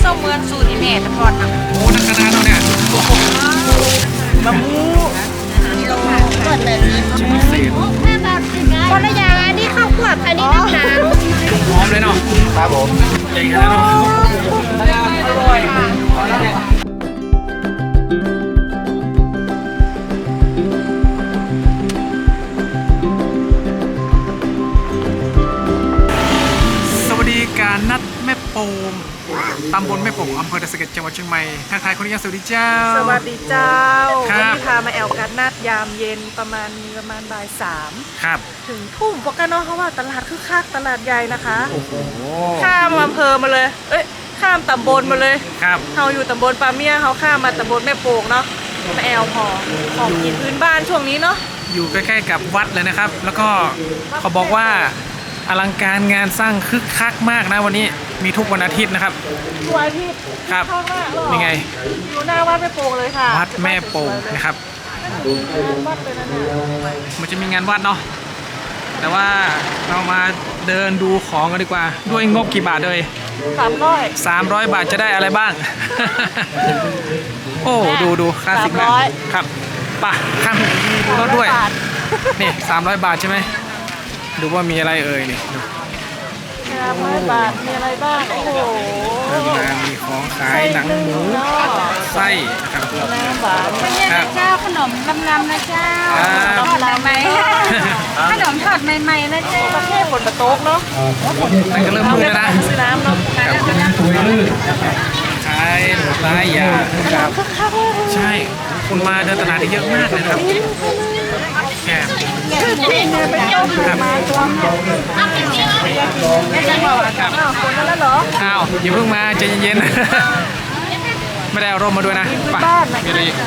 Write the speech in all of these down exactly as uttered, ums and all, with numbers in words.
ส้มเมืองสูตรอีแม่ตะกอนนะโอ้นักขนาดเราเนี่ยมะม่วงกิโลก่อนเลยชิ้นพิเศษคนละอย่างอันนี้ข้าวคั่วอันนี้น้ำหนาหอมเลยเนาะครับผมใหญ่ขนาดนั้นอร่อยสวัสดีการนัดแม่โป่งตำบลแม่โป่งอำเภอดอยสะเก็ดจังหวัดเชียงใหม่ทักทายคนนี้สวัสดีเจ้าสวัสดีเจ้าครัวันบนี้พามาแอลกันนัดยามเย็นประมาณประมาณบ่ายสามครับถึงทุ่มปกติเนาะเพราะว่าตลาดคึกคักตลาดใหญ่นะคะโอ้โหข้ามอำเภอมาเลย เอ้ยข้ามตำบลมาเลยครับเราอยู่ตำบลปาเมียเขาข้ามมาตำบลแม่โป่งเนาะมาแอลพอของกินพื้นบ้านช่วงนี้เนาะอยู่ใกล้ๆกับวัดเลยนะครับ แล้วก็เขาบอกว่าอลังการงานสร้างคึกคักมากนะวันนี้มีทุกวันอาทิตย์นะครับตัวที่ครับข้างหน้าหรอนี่ไงอยู่หน้าวัดแม่โป่งเลยค่ะวัดแม่โป่งนะครับวัดเลยนะเนี่ยมันจะมีงานวัดเนาะแต่ว่าเรามาเดินดูของกันดีกว่า ด้วยงบกี่บาทเลยสามร้อยสามร้อยบาทจะได้อะไรบ้าง โอ้ดูดูคลาสสิกมากครับป่ะข้างดูรถด้วยนี่สามร้อยบาทใช่ไหมดูว่ามีอะไรเอ่ยนี่ดูสามร้อยบาทมีอะไรบ้างโอ้โหเริ่มมามีของขายหนังหมูไส้นะครับน้ำหวานครับเจ้าขนมลำๆนะเจ้าครับทอดใหม่ๆขนมทอดใหม่ๆนะเจ้าประเทศฝนประโต๊กเนาะมันก็เริ่มมืดแล้วนะซื้อน้ำเนาะขายหลายอย่างครับใช่คนมาเดินตลาดเยอะมากเลยนะครับแกครับ ครับอ้าวคนนั้นแล้วเหรออ้าวอย่าเพิ่งมาใจเย็นๆ ไม่ได้เอาร่มมาด้วยนะไปมีอะไรอีก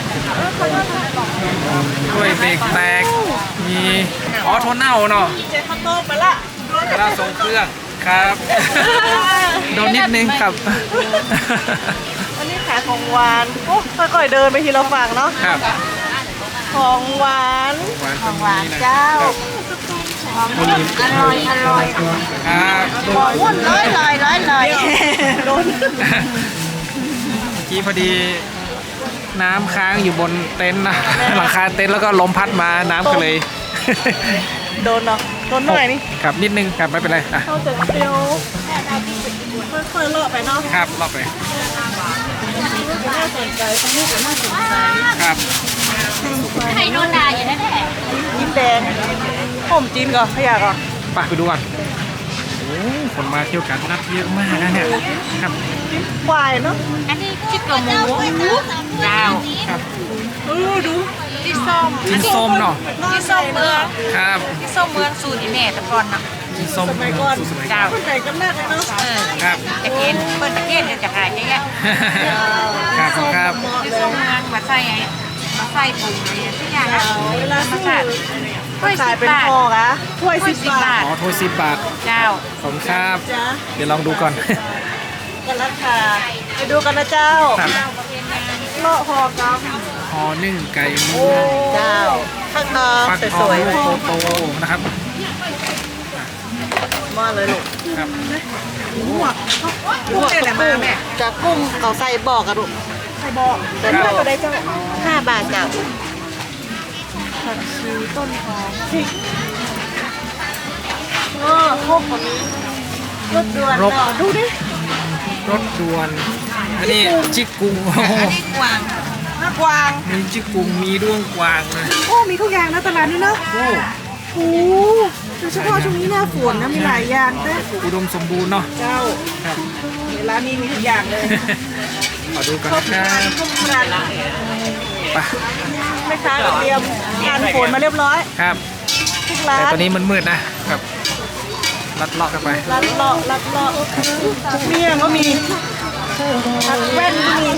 กล้วยเบรกแตกมีอ๋อโทนเน่าเนาะเจ๊ข้าวต้มไปละกระลาทรงเครื่องครับโดนนิดนึงครับอันนี้ขายของหวานโอ้ค่อยๆเดินไปทีละฝั่งเนาะครับของหวานหวานตรงนี้นะเจ้าอร่อยอร่อยครับวุ่นเลยเลยเลยเลยโดนเมื่อกี้พอดีน้ำค้างอยู่บนเต็นท์นะหลังคาเต็นท์แล้วก็ลมพัดมาน้ำก็เลยโดนเนาะโดนหน่อยนี่ครับนิดนึงครับไม่เป็นไรอ่ะเข้าเจ็ดเตียวค่อยๆเลาะไปเนาะครับรอบไปน่าสนใจตรงนี้ก็น่าสนใจครับไข่โนดาอย่างนั้นแหละยิ้มแดงผมจีนก่อนขยะก่อนไปไปดูก่อนโอ้คนมาเที่ยวกันนัดเยอะมากนะเนี่ยครับควายเนาะอันนี้ชิคกหมูเจ้าครับเออดูที่ส้มกินส้มเนาะที่ส้มเมืองครับที่ส้มเมืองสูตรอีแม่ตะกอนนะกินส้มสมัยก่อนสมัยเจ้าคนไหนกันมากเลยเนาะเออครับจะกินเปิ้ลตะเกียนเดี๋ยวจะหายเยอะครับครับที่ส้มเมืองมาใส่ไอ้มาใส่ปุ๋ยอะไรทุกอย่างนะเวลามาซื้อใส่ถ้วยขาสิยบเป็นบาทพอกอะถ้วยถ้วยสิสิบบบาบาททอ๋อถ้วยสิบบาทเจ้าขอบคุณครับจ้ะเดี๋ยวลองดูก่อนกันราคาไปดูกันนะเจ้าครับเลาะหอกัมหอนึ่งไก่หมูเจ้าข้างนอกฟักทสองวยลูกโตๆนะครับๆมาเลยลูกครับกุ้งเนี่ยแหละมาแม่จากกุ้งเขาใส่บอกอะลูกใส่บอกเป็นเท่าไหร่เจ้าห้าบาทเจ้าผักชีต้นหอมพริกอ๋อครบแบบนี้รสด่วนเนาะดูดิรถด่วนอันนี้จิกกุงโอ้โหอันนี้กวางหน้ากวางมีจิกกุงมีด้วงกวางเลยโอ้มีทุกอย่างนะตลาดนี้เนาะโอ้โอ้โดยเฉพาะช่วงนี้หน้าฝนนะมีหลายอย่างเด้ออุดมสมบูรณ์เนาะเจ้าครับร้านนี้มีทุกอย่างเลยขอดูกันนะครับทุกร้านไปแม่ค้าก็เตรียมการฝนมาเรียบร้อยครับทุกแต่ร้านตอนนี้มันมืดนะครับลัดเลาะกันไปร้านเลาะร้านเลาะเมี่ยงก็มีผักแว่นก็มี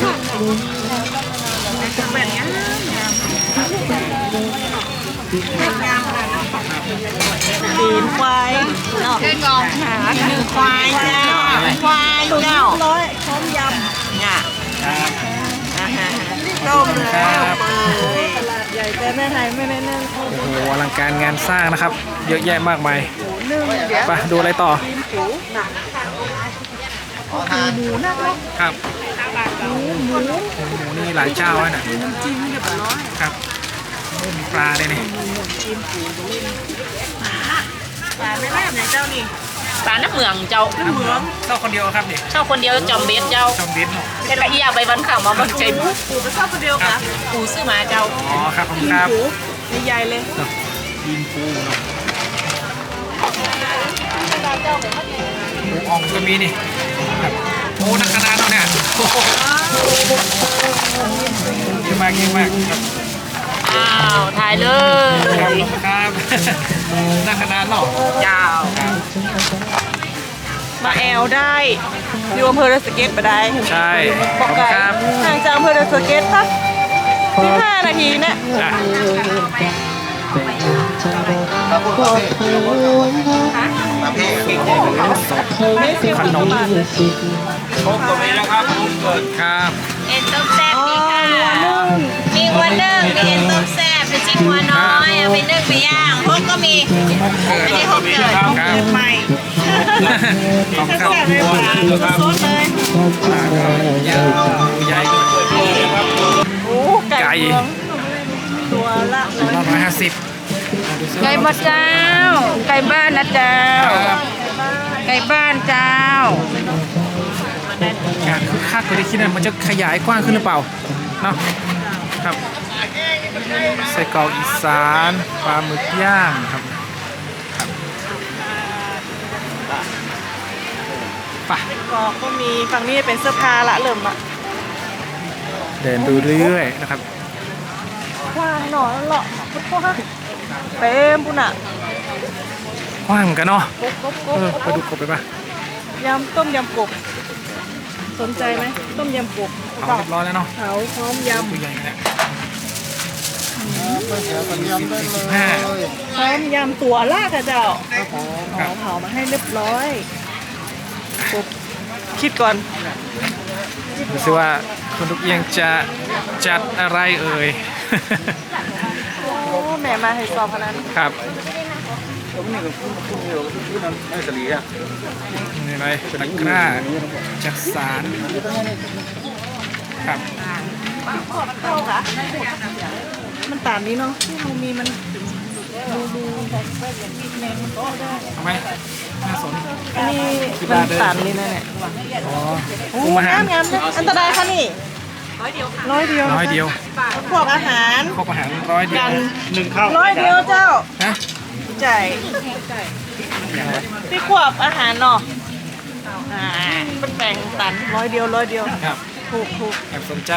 ผักแว่นเนี้ยตีนควายเนาะเดินงองหาหนึ่งควายเจ้าควายเจ้าร้อยพร้อมยำเนี่ยครับต้มแล้วเปิดตลาดใหญ่แต่แม่ไทยไม่ได้นั่งเขาโอ้โหอลังการงานสร้างนะครับ เยอะแยะมากมายนึ่งเดี๋ยวไปดูอะไรต่อตีนผูหมูนักเนาะครับหมูหมูหมูนี่หลายเจ้าแล้วนะน้ำจิ้มเรียบร้อยครับโอ้มีปลาด้วยนี่ปลาไม่แม่ไหนเจ้านี่ปลาน้ำเหมืองเจ้าน้ำเหมืองเจ้าคนเดียวครับนี่เช่าคนเดียวจอมเบสเจ้าจอมเบสเนาะเป็นละเอียดใบบันข่าวมาบันใจบุปูไปชอบคนเดียวค่ะปูซื้อมาเจ้าอ๋อครับผมกินครับปูใหญ่ๆเลยเนาะยิงปูเนาะหมูอ่องก็มีนี่ครับโอ้นักขนาดเนาะเนี่ยโอ้โหเยอะมากเยอะมากครับอ้าวถ่ายเลครับยครับนักขนาดเนาะเจ้ามาแอลได้อยู่อำเภอดอยสะเก็ดมาได้ใช่ขบออบ กคุณไก่ครับห่างจากอำเภอดอยสะเก็ดสักสิบห้านาทีเนี่ยอ่ะขนมครับเอ็นต้มแซ่บนี่ค่ะมีหัวนึ่งมีเอ็นต้มแซ่บเป็นจิ้มหัวน้อยเอาไปนึ่งไปย่างพวกก็มีอันนี้หกเกิดครับใหม่ขอบคุณครับแซ่บเลยค่ะสดเลยเยอะใหญ่ด้วยโอ้ไก่เมืองตัวละร้อยร้อยห้าสิบไก่บ้านเจ้า ไก่บ้านนะเจ้า ไก่บ้านเจ้าการคึกคักกว่าที่คิดนะมันจะขยายกว้างขึ้นหรือเปล่าเนาะครับไส้กรอกอีสานปลาหมึกย่างครับไปกอกก็มีฝั่งนี้เป็นเสื้อผ้าละเริ่มอะเดินดูเรื่อยๆนะครับกว้างหน่อยเลาะพุทธะเต็มปุ่นอะกว้างเหมือนกันเนาะกบกบกเอบ อไปดูกบไปป่ะยำต้มยำกบสนใจไหมต้มยำกบเผาเรียบร้อยแล้วเนาะเผาพร้อมยำตัวใหญ่เนี่ยสิบห้าพร้อมยำตัวลากอะเจ้าครัอ๋บอเผามาให้เรียบร้อยกบคิดก่อนดูสิว่าคุณทุกเอียงจะจัดอะไรเอ่ยโอ้แม่มาให้สอบขนาดนั้นครับนี่อะไรเป็นนักกล้าจากสารครับเข้าค่ะมันต่างนี้เนาะที่เรามีมันดูดูแมงมันก็ได้เอาไหมน่าสนอันนี้มันต่างนี่นะเนี่ยอ๋อโอ้คุมอาหารงามงามอันตรายค่ะนี่ร้อยเดียวร้อยเดียวร้อยเดียวพวกอาหารครบอาหารร้อยเดียวกันหนึ่งข้าวร้อยเดียวเจ้าฮะใจพี่ขวบอาหารเนาะอ่าเป็นแบ่งตันร้อยเดียวร้อยเดียวครับถูกถูกแอบสนใจ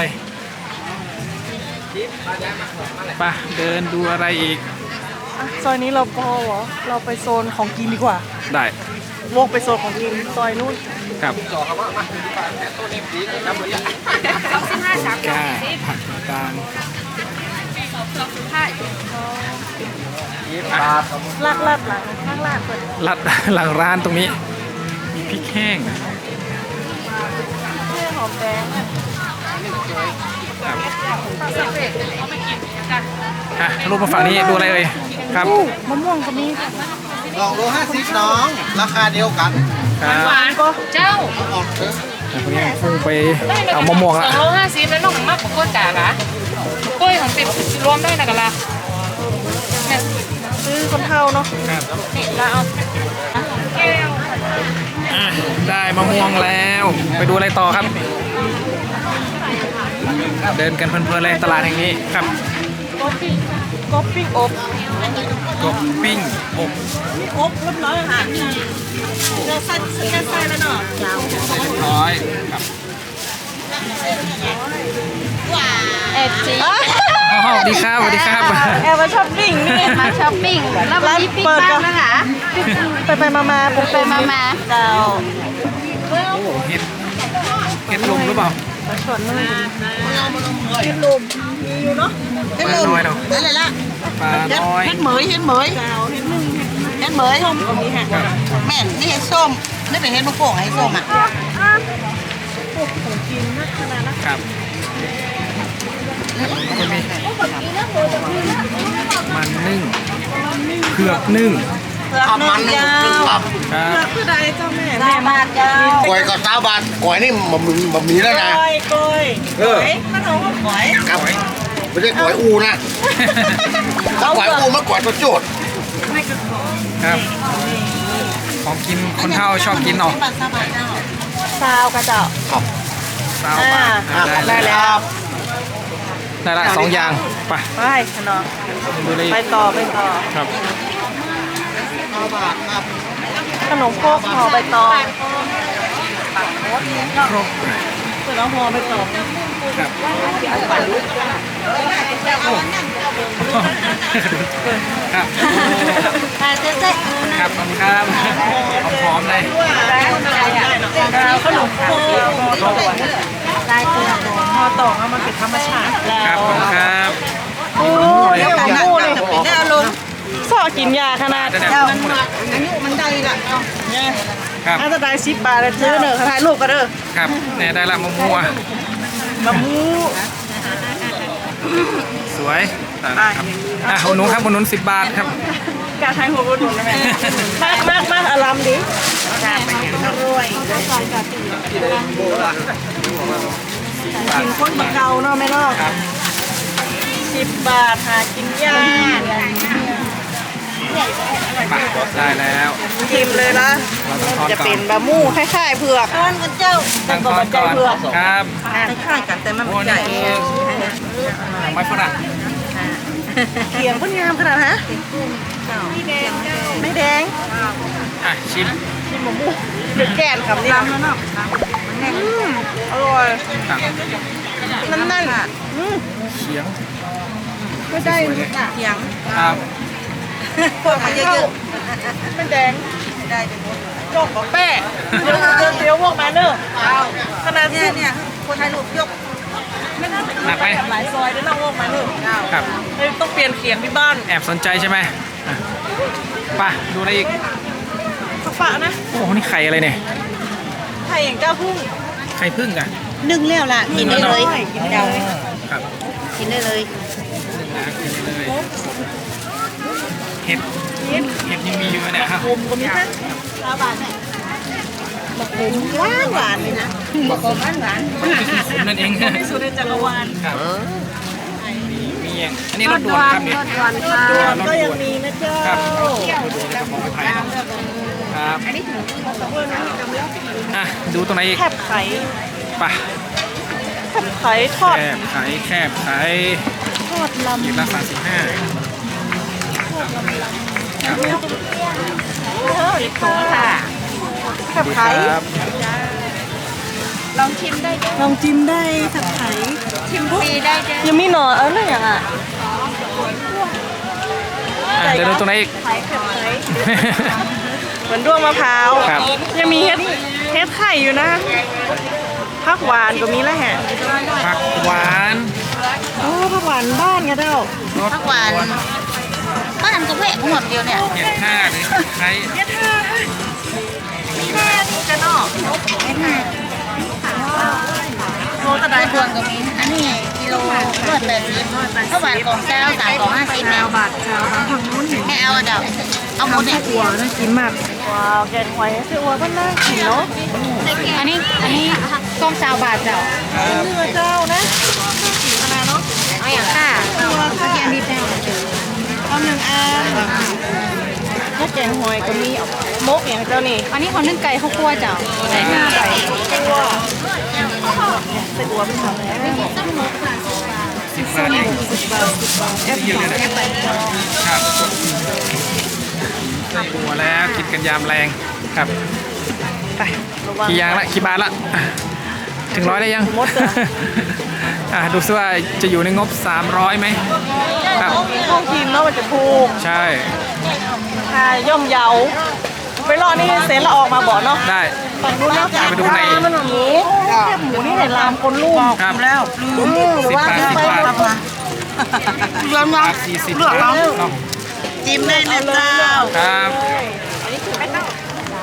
ไปเดินดูอะไรอีกอ่ะซอยนี้เราพอเหรอเราไปโซนของกินดีกว่าได้วกไปโซนของกินซอยนู้นครับต้นกล้าผักต่างลากลาดหลังข้างลาดเปิดๆลัด หลังร้านตรงนี้ มีพริกแห้งเรื่องหอมแดงอ่ะอ่ะรูปมาฝั่งนี้ดูอะไรเอ่ยครับอู้มะม่วงก็มีสองโลห้าสิบน้อง ราคาเดียวกันครับหวานก็เจ้าออกเถอะคนนี้พุ่งไปเอามะม่วงสละองโลห้าสิบแล้วน้องมากกว่ากล้วยกากะกล้วยของติดรวมได้นะกันละเนี่ยซื้อคนเท่าเนาะครับนี่แล้วเอาแก้วอ่ะได้มะม่วงแล้ว ไปดูอะไรต่อครับ เดินกันเพลินๆเลยตลาดแห่งนี้ครับก๊อปปิ้งก๊อปปิ้งอบกบปิ้งอบอบเรียบร้อยอาหารเจอไส้เจอไส้แล้วเนาะยาวเรียบร้อยครับแอบจีอ๋อสวัสดีครับสวัสดีครับแอบมาช้อปปิ้งนี่มาช้อปปิ้งแล้ววันนี้ปิ้งบ้างนะคะไปไปมามาปุ๊บไปมามาเจ้าโอ้เห็ดเห็ดลมหรือเปล่ามาชวนเลยเห็ดลมมีอยู่เนาะปลาน้อยเนาะอะไรล่ะปลาน้อยเฮ็ดเหมยเฮ็ดเหมยเจ้าเห็ดหนึ่งเฮ็ดเหมยส้มตรงนี้ฮะครับแม่นนี่เฮ็ดส้มนี่เป็นเฮ็ดมะโป่งให้ส้มอ่ะพวกของกินนักขนาดนะครับก็มีมันนึ่งเผือกนึ่งเผือกทำนึ่มันงนี่เจ้ามันขึ้นครับครับคือใดเจ้าแม่แม่บาทเจ้ากล้วยก็สามบาทกล้วยนี่มันมีมันมีแล้วนะกล้วยกล้วยเออมันเอาข้าวหอยครับไม่ใช่กล้วยอูนะถ้ากล้วยอูมันกล้วยตัวโจดครับของกินคนเฒ่าชอบกินเนาะบาทสามบาทเจ้าซาวกระเจ้าครับสาวบาทอ่าได้ได้แล้แล้ว วได้ละสองอย่างไปไปขนมดูเลยไปต่อไปต่อครับสามบาทครับขนมโคกห่อใบตองครบเปิดแล้วห่อใบตองครับครับบาทเจ๊เจ๊ครับขอบคุณครับหอมๆเลยขนมโคกลายตัวห่อตองเอามาเก็บธรรมชาติครับขอบคุณครับโอ้ยหมูนี่ได้อารมณ์สอกินยาขนาดจะได้เจ้ามันอายุมันได้ละเนี่ยครับอาจจะได้สิบบาทเลยซื้อเนอะถ่ายรูปกันเด้อครับเนี่ยได้ละมะม่วงมะมูสวยได้ละครับอ่ะคุณหนูครับคุณหนุนสิบบาทครับการถ่ายหัวบุญนะแม่มากมากมากอารามดิอร่อยกินคนบะเกาเนาะแม่เนาะครับสิบบาทหากินยากไปได้แล้วชิมเลยนะเราต้องทอดจะก่อเป็น นบะหมู่คล้ายๆเผือกตอนกันเจ้าตั้งทอดก่อนครับคล้ายๆกันแต่มันโอ้ใหญ่นี่คือไม้ฝรั่งเขียงเพิ่นงามขนาดฮะไม่แดงอ่ะชิมชิมบะหมู่เดือดแก่นคำนี้ลำแล้วเนาะอืมอร่อยครับนั่นนั่นๆอืมเขียงก็ได้สวยเลยเถียงครับพวกมันเยอะไม่แดงๆได้เป็นหมดจอกกับแป้เดี๋ยวเดี๋ยวเดี๋ยวพวกมาเนอะเอาขนาดเนี่ยเนี่ยคนไทยรูปยกหนักไปหลายซอยได้น้องพวกมาเนอะเจ้าครับเฮ้ยต้องเปลี่ยนเขียงที่บ้านแอบสนใจใช่ไหมอ่ะไปดูอะไรอีกข้าวฝานะโอ้โหนี่ไข่อะไรเนี่ยไข่อย่างเจ้าพุ่งไข่พึ่งอ่ะนึ่งแล้วล่ะกินได้เลยเจ้าครับกินได้เลยนะกินได้เลยเห็ดเห็ดยังมีอยู่เนี่ยครับผมก็มีนะชาวบ้านเนี่ยมะขมหวานหวานเลยนะบอกหวานหวานซุปนั่นเองที่สุดในจักรวาลครับมีมีอย่างอันนี้รถด่วนครับเนี่ยหวานค่ะด่วนก็ยังมีนะเจ้าครับของไทยครับอ่ะดูตรงไหนอีกแคบไข่ไปแคบไข่ทอดแคบไข่แคบไข่ทอดลำหยิบละสามสิบห้าเออลิโกค่ะแคบไข่ครับลองชิมได้จ้ะลองจิ้มได้แคบไข่ชิมฟรีได้จ้ะยังมีหน่อเอออะไรอย่างอ่ะอ่ะเดี๋ยวดูตรงไหนอีกไข่แคบไข่เหมือนด้วงมะพร้าวครับยังมีเฮ็ดเฮ็ดไข่อยู่นะผักหวานก็มีแล้วแฮะผักหวานโอ้ผักหวานบ้านไงเจ้ารสผักหวานบ้านก็แวะหมดเดียวเนี่ยเห็ดท่าหรือไข่เฮ็ดท่าแค่นี้จะนอกไม่ง่ายโลตะไดได้พวงก็มี อันนี้กิโลร้อยแปดสิบถ้าหวานของเจ้าสามของห้าสิบแม่บาทเจ้าทางนู้นเห็นแม่เอาเจ้าเอาหมดเนี่ยหัวน่ากินมากว้าวแกงหอยเสื้อวัวก็น่ากินเนาะอันนี้อันนี้กล้องสาวบาทเจ้าเนื้อเจ้านะน่ากินขนาดเนาะเอาอย่างค่ะตัวค่ะเกียนดิบแน่เอาหนึ่งอันถ้าแกงหอยก็มีมกอย่างเจ้านี่อันนี้เขานึ่งไก่ข้าวคั่วเจ้าใส่ห้าใบตัวใส่หัวเป็นทำแล้วสิบบาทเองสิบบาทสิบบาทแอปเยอะเลยนะครับใส่หัวแล้วกินกันยามแรงครับไประวังกี่อยางละกี่บาทละอ่ะถึงร้อยได้ยังหมดเลยอ่ะดูซิว่าจะอยู่ในงบสามร้อยไหมครับห้องกินเนาะมันจะถูกใช่ค่าย่อมเยาไปรอนี่เซนละออกมาบอกเนาะได้ฝั่งนู้นเนาะไปดูในมันแบบนี้แคบหมูนี่เห็นลามคนลูกครับแล้วสิบบาทสิบบาทเรื่องบาเนาะทสี่สิบบาทเนาะจิ้มได้เลยเจ้าครับ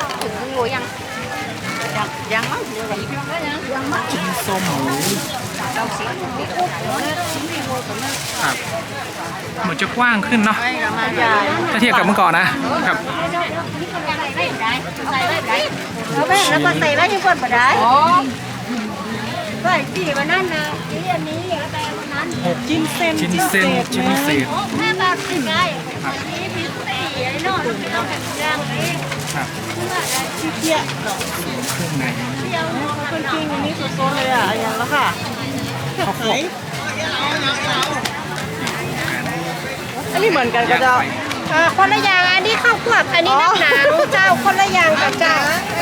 ยังยังมั้งยังมั้งส้มหมูครับเหมือนจะกว้างขึ้นเนาะถ้าเทียบกับเมื่อก่อนนะครับแล้วแม่แล้วก็ใส่ไว้ที่คนบ่ได้ใส่สีวันนั้นนะสีอันนี้แล้วแต่วันนั้นจิ้นเส้นชิ้นเส้นชิ้นพิเศษแม่บาทสิได้นี้พิเศษไอ้นอกต้องแบบย่างนี้ครับที่เที่ยเครื่องในคนจริงอันนี้สดๆเลยอ่ะอย่างแล้วค่ะข้าวโพดอันนี้เหมือนกันก็จะคนละอย่างอันนี้ข้าวควบอันนี้น้ำหนาวเจ้าคนละอย่างกับเจ้า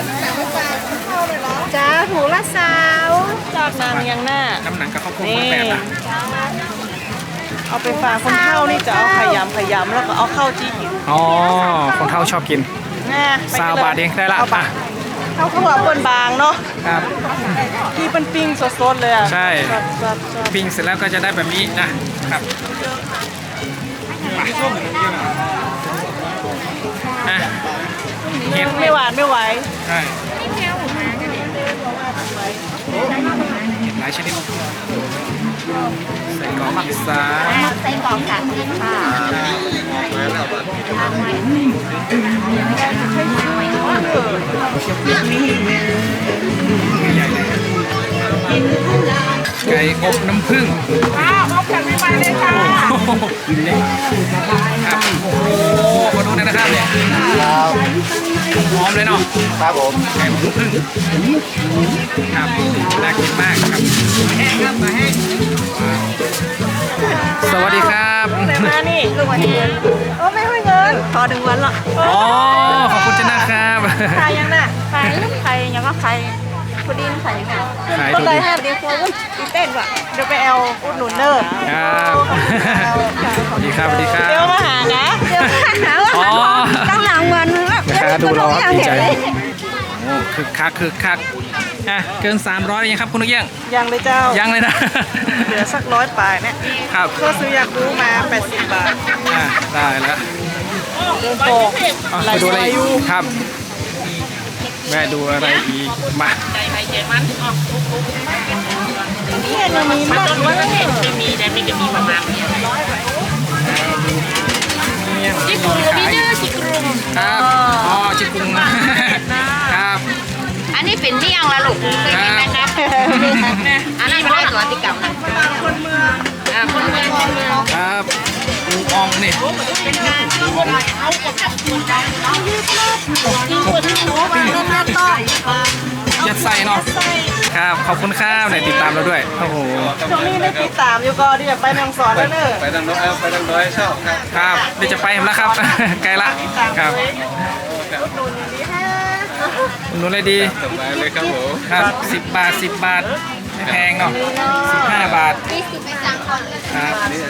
จ้าถูละสาวจอดนางยังหน้าน้ำหนังกับข้าวโพดคนละแบบนะเอาไปฝากคนเฒ่านี่จะเอาขยำขยำแล้วก็เอาเข้าจี้กินอ๋อคนเฒ่าชอบกินนะซาวบาทเองได้ละเอาอ่ะเข้าข้าวหัวคนบางเนาะครับที่เป็นปิ้งสดๆเลยอ่ะใช่สดๆปิ้งเสร็จแล้วก็จะได้แบบนี้นะครับอ่ะเห็ดๆไม่หวานไม่ไหวใช่เห็ดหลายชนิดใส่กรอกอีสานใส่กรอกค่ะค่ะใหญ่เลยไก่อบน้ำผึ้งอ้าวเอาแผ่นไม่ไปเลยค่ะโอ้โหนี่ครับโอ้โหมาดูหนอยนะครับเนี่ยหอมเลยเนาะครับผมไก่อบน้ำผึ้งครับน่ากินมากครับสวัสดีครับแต่มานี่คือวันนี้โอ้ไม่ให้เงินพอถึงวันละอ๋อขอบคุณจ้านะครับใครยังน่ะใครใครยังว่าใครพอดีนใครค่ะขายก็ถูกเลยให้เดี๋ยวคนอีเต้นว่ะเดี๋ยวไปเอาอุดหนุนเนอร์ครับสวัสดีครับสวัสดีครับเดี๋ยวมาหานะเดี๋ยวมาหาว่าอ๋อตั้งหลังวันแม่ค้าดูรอครับดีใจโอ้คึกคักคึกคักอ่ะเกินสามร้อยยังครับคุณนุกเอี้ยงยังเลยเจ้ายังเลยนะเหลือสักร้อยปลายเนี่ยครับก็ซื้ออยากรู้มาแปดสิบบาทอ่ะได้แล้วเดินโตเอาไปดูอะไรอีกครับแวะดูอะไรอีกมาเนี่ยยังมีมากด้วยจิกุงก็มีเด้อจิกุงครับอ๋อจิกุงครับอันนี้เป็นเมี่ยงละลูกเคยกินไหมครับอันนั้นไม่ได้ตัวติกรรมนะคนเมืองอ่าคนเมืองคนเมืองครับปูอองนี่ปูอองยัดไส้เนาะครับขอบคุณครับไหนติดตามเราด้วยโอ้โหช่วงนี้ได้ติดตามอยู่ก็ที่อยากไปแมงสอนแล้วเนอะไปทางโน้นเอาไปทางโน้นชอบครับครับเดี๋ยวจะไปแล้วครับ ไกลละครับอุดหนุนเลยดีสบายเลยครับผมครับสิบบาทสิบบาทไม่แพงเนาะสิบห้าบาทนี่คือไปสั่งก่อนเลยครับ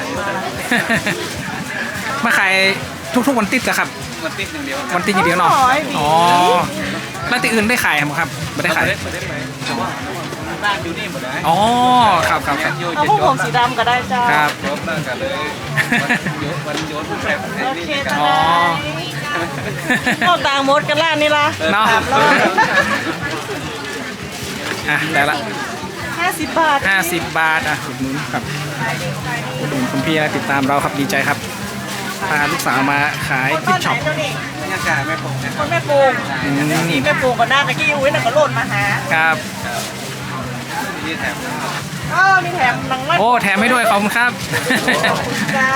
มาขายทุกๆวันติดเหรอครับมันติดอย่างเดียววันติดอย่างเดียวเนาะอ๋อแล้วที่อื่นได้ขายไหมครับไม่ได้ขายไม่ได้ไปแต่ว่าบ้านอยู่นี่หมดเลยอ๋อครับครับครับโยนเอาจะพวกโยผนมสีดำก็ได้เจ้าครับรบนั่งกันเลยวันโยนแผลแผลโอนี่เคกันจ้าอ๋อพวกต่างมดกันล่านนี่ละเนาะสามร้อยอ่ะได้ละห้าสิบบาทห้าสิบบาทอ่ะอุดหนุนครับอุดหนุนคุณพี่นะติดตามเราครับดีใจครับพาลูกสาวมาขายคนกิบ้าฟนช็อปไหนเจ้านี่บรรยากาศไม่ผมนะคครับ นแม่ปูงอืมนี่แม่ปูงก็หน้าตะกี้อุ้ยน่ะก็หล่นมาหาครับนี่แถมเออมีแถมหนังมัดโอ้แถมให้ด้วยขอบคุณครับเจ้า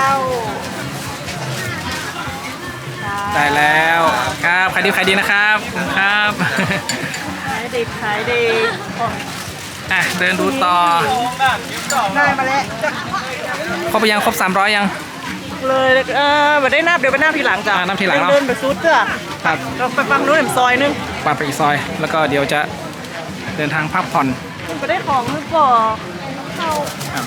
ได้แล้วครับขายดีขายดีนะครับขอบคุณครับขายดีขายดีอ่ะเดินดูต่อได้มาแล้วจะครบไปยังครบสามร้อยยังเลยเออมาได้นับเดี๋ยวไปนับทีหลังจ้ะอ่านับทีหลังเนอะเดินไปซูดเจ้ะครับเราไปฟังนู้นเห็นซอยนึงปาไปอีกซอย แล้วก็เดี๋ยวจะเดินทางพักผ่อนไปได้ของนึกบ่เข้าครับ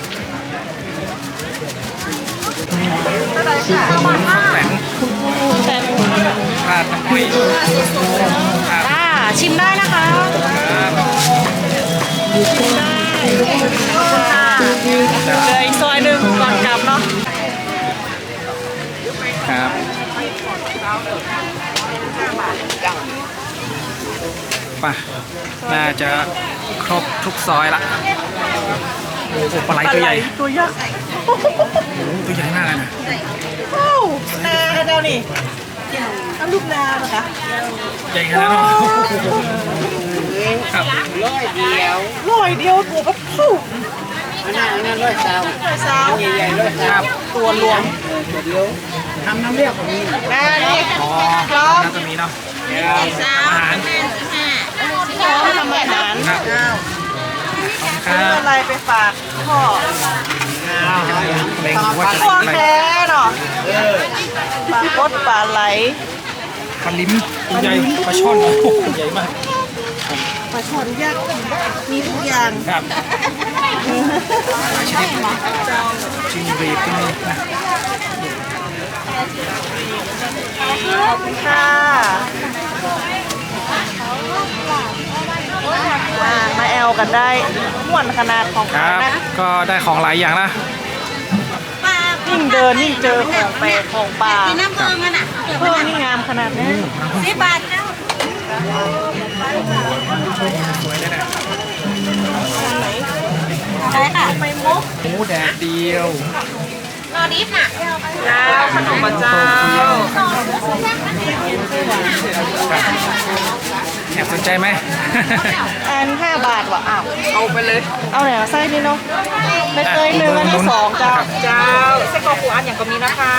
เท่าไหร่ค่ะแตงแต่ราดน้ำพุยครับอ่าชิมได้นะคะครับชิมได้ค่ะเหลืออีกซอยหนึ่งก่อนกลับเนาะครับไป่ะน่าจะครบทุกซอยละโอ้โหปลาไหลตัวใหญ่ตัวยักษ์โอ้โหตัวใหญ่มากเลยนะโอ้นาเจ้านี่เอาลูกนาเหรอคะใหญ่ขนาดนั้นเนอะครับร้อยเดียวร้อยเดียวตัวก็ฟูอันนั้นอันนั้นร้อยสาวร้อยสาวใหญ่ๆร้อยคสารัวบตัวรวมเดียวทำน้ำเรียกของนี้นานี่อ๋อพร้อมน่าจะมีเนาะสามอาหารห้าสิบห้าพร้อมทำอาหารครับคซื้อรับอะไรไปฝากพ่อเล็งว่าจะพ่ออะไรแท้เนาะปลาคดปลาไหลปลาลิ้มตัวใหญ่ปลาช่อนโอ้โหใหญ่มากปลาช่อนยักษ์มีทุกอย่างครับหลายชนิดจิงหรีดก็มีนะขอบคุณค่ะอ่ามาแอลกันได้ม่วนขนาดของคเขารับนะก็ได้ของหลายอย่างนะยิ่งเดินยิ่งเจอของแปลกของป่ากินน้ำเบิ่งกันอ่ะเพิ่มนี่งามขนาดนี้สิบบาทเจ้าสวยเลยนะใช่ค่ะไปมุกหมูแดดเดียวรอดิฟน่ะเจ้าขนมปังเจ้าแอบสนใจไหมอันห้าบาทว่ะอ้าวเอาไปเลย เอาไหนเอาไส้นี่เนาะใบเตยหนึ่งอันนี้สองเจ้าเจ้าไส้กรอกหูอันอย่างก็มีนะคะ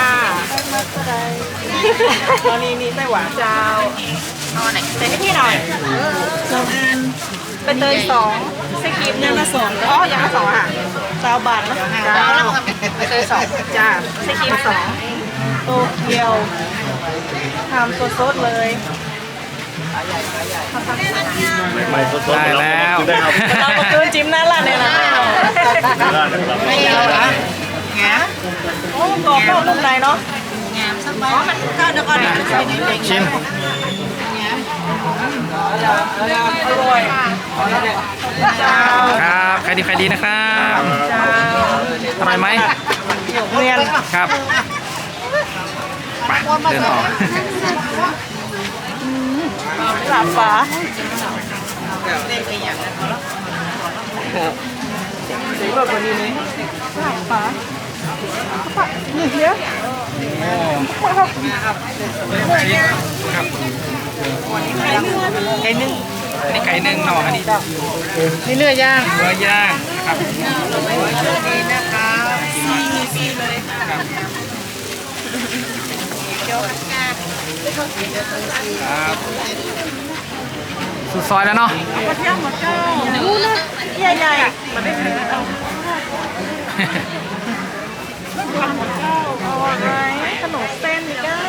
ตอนนี้นี่ไส้หวานเจ้าเอาไหนใส่ให้พี่หน่อยสองอันใบเตยสองไส้ครีมยังละสองอ๋อยังละสองอ่ะเจ้าบาทนะเจ้าใบเตยสองจ้าไส้ครีมสองโตเกียวทำตัวซดเลยได้แล้วเราก็คืนจิ้มนั่นแหละเนี่ยนะไม่เอาละแงโอ้กรอบนอกนุ่มในเนาะงามสักบาทมันก็เดี๋ยวก่อนนะชิมอร่อยเจ้าครับใครดีใครดีนะครับเจ้าอร่อยไหมเรียนครับไปเดินต่อหลับฟ้าสีแบบวันนี้นี่หลับฟ้าหนึ่งเดียวครับไก่นึ่งอันนี้ไก่นึ่งเนาะอันนี้นี่เนื้อย่างเนื้อย่างนะครับนี่นะคะซีมีซีเลยครับเกี๊ยวกาครับสุดซอยแล้วเนาะกระเทียมหมดเจ้าดูนะใหญ่ใหญ่ๆมันได้ถึงเอาหมดเจ้าเอาอะไรขนมเส้นนี่ก้า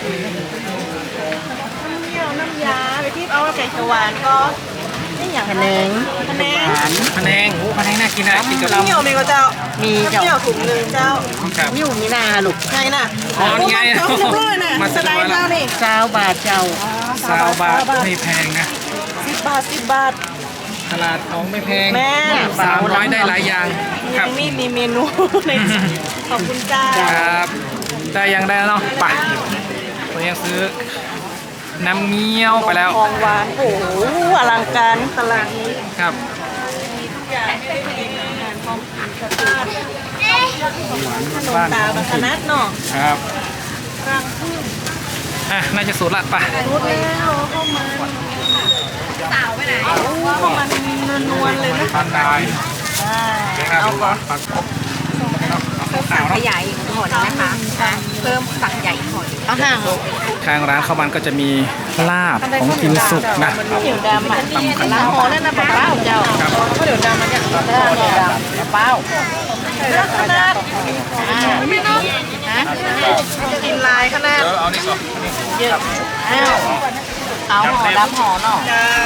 น้ำเงี้ยวน้ำยาไปที่เอาไก่เขียวหวานก็นี่อย่างพะแนงพะแนงพะแนงโอ้พะแนงน่ากินนะกินกับน้ำเงี้ยวมีก็เจ้ามีน้ำเจ้าเงี้ยวถุงหนึ่งเจ้าครับนิ้วมีนาลูกไงน่ะอ๋อนี่ไงเจ้าเรียบร้อยน่ะมาสสไลบายด์แล้เจ้าว นี่สาวบาทเจ้าสาวบาทไม่แพงนะสิบบาทสิบบาทตลาดของไม่แพงแม่สามร้อยได้หลายอย่างคยัรับงนี่มีเมนูในขอบคุณจ้าครับ ได้ยังได้แล้วเนาะไปผมยังซื้อน้ำเงี้ยวไปแล้วของหวานโอ้โหอลังการตลาดนี้ครับทุกอย่างไม่ได้กินอาหารพร้อมกินสตาร์ทขนมบ้านตาลคณะเนาะครับกลางพึ่งอ่ะน่าจะสูตรละไปรูดแล้วเข้ามาสาวไปไหนเข้ามาเนวลๆเลยนะทานได้ครับปักสั่งขยายอีกหน่อยนะคะนะเพิ่มสั่งใหญ่อีกหน่อยเอาห่างทางร้านข้าวมันก็จะมีลาบของกินสุกนะเดี๋ยวดำอ่ะตำขนล้างมหอนั่นนะป้าเป้าเจ้าครับก็เดี๋ยวดำมันจะเดี๋ยวดำป้าเป้าขนาดไม่ต้องกินลายขนาดเออเอานี่ก่อนเยอะอ้าวเอาหอดำหอเนาะเจ้า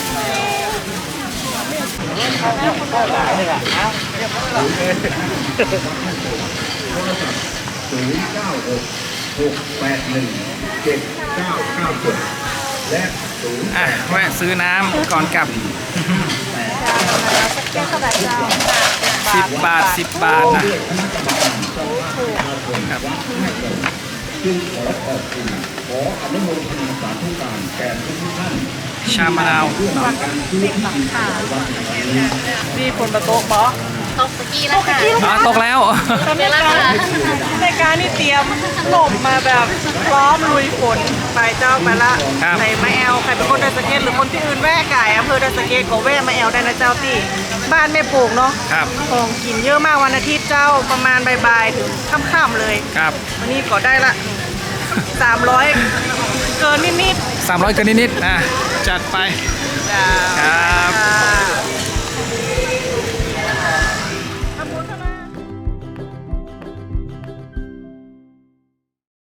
ศูนย์เก้าหกหกแปดหนึ่งเจ็ดเก้าเก้าเจ็ดและศูนย์อ่ะแวะซื้อน้ำก่อนกลับสิบบาทสิบบาทนะครับจึงขอขอบคุณขออนุโมทนาสาธุการแก่ทุกท่านชามะนาวร่วมในการซื้อที่ดินถวายวัดแห่งนี้นี่คนประโต๊ะเปาะคตกตะกี้แล้วค่ะอ๋อตกแล้วตอนนี้การในการนี่เตรียมหลบมาแบบพร้อมลุยฝนไปเจ้าไปละครับใส่มาแอลใครเป็นคนไดสะเก็ตหรือคนที่อื่นแวะไก่อำเภอไดสะเก็ตก็แวะมาแอลได้นะเจ้าที่บ้านแม่ปลูกเนาะครับของกินเยอะมากวันอาทิตย์เจ้าประมาณบ่ายๆถึงค่ำๆเลยครับวันนี้ก็ได้ละสามร้อยเกินนิดสามร้อยเกินนิดๆอ่ะจัดไปๆจ้าครับจ้า